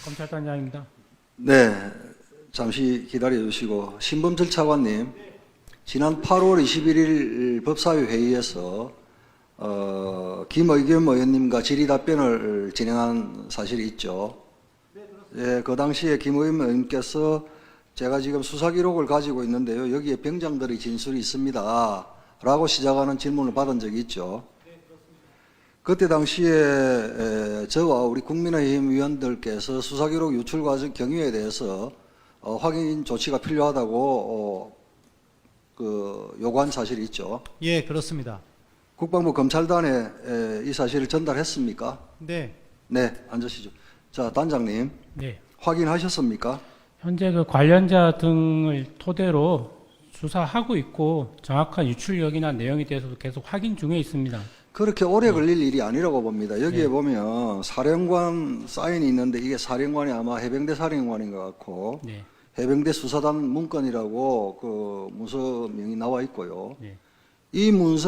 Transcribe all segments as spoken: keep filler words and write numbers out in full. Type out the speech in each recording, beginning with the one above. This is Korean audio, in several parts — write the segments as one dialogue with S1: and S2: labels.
S1: 검찰단장입니다.
S2: 네, 잠시 기다려 주시고 신범철 차관님, 지난 팔월 이십일일 법사위 회의에서 어, 김의겸 의원님과 질의답변을 진행한 사실이 있죠. 예, 그 당시에 김의겸 의원님께서 제가 지금 수사 기록을 가지고 있는데요, 여기에 병장들의 진술이 있습니다 라고 시작하는 질문을 받은 적이 있죠. 그때 당시에 에, 저와 우리 국민의힘 위원들께서 수사기록 유출 과정 경위에 대해서 어, 확인 조치가 필요하다고 어, 그 요구한 사실이 있죠.
S1: 예, 그렇습니다.
S2: 국방부 검찰단에 에, 이 사실을 전달했습니까?
S1: 네,
S2: 네, 앉으시죠. 자, 단장님,
S1: 네.
S2: 확인하셨습니까?
S1: 현재 그 관련자 등을 토대로 수사하고 있고 정확한 유출력이나 내용에 대해서도 계속 확인 중에 있습니다.
S2: 그렇게 오래 걸릴 일이 아니라고 봅니다. 여기에
S1: 네.
S2: 보면 사령관 사인이 있는데 이게 사령관이 아마 해병대 사령관인 것 같고
S1: 네,
S2: 해병대 수사단 문건이라고 그 문서명이 나와 있고요.
S1: 네,
S2: 이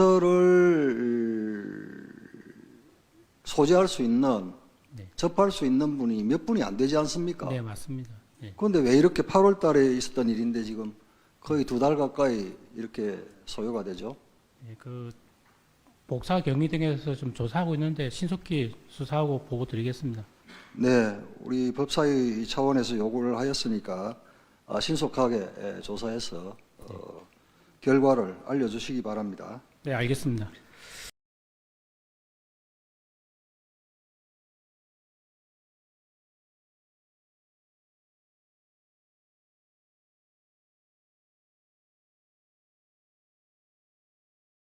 S2: 문서를 소지할 수 있는,
S1: 네.
S2: 접할 수 있는 분이 몇 분이 안 되지 않습니까?
S1: 네, 맞습니다. 네.
S2: 그런데 왜 이렇게 팔월 달에 있었던 일인데 지금 거의 두 달 가까이 이렇게 소요가 되죠?
S1: 네, 그 복사 경위 등에서 좀 조사하고 있는데 신속히 수사하고 보고 드리겠습니다.
S2: 네, 우리 법사위 차원에서 요구를 하였으니까 아, 신속하게 에, 조사해서 어, 결과를 알려주시기 바랍니다.
S1: 네, 알겠습니다.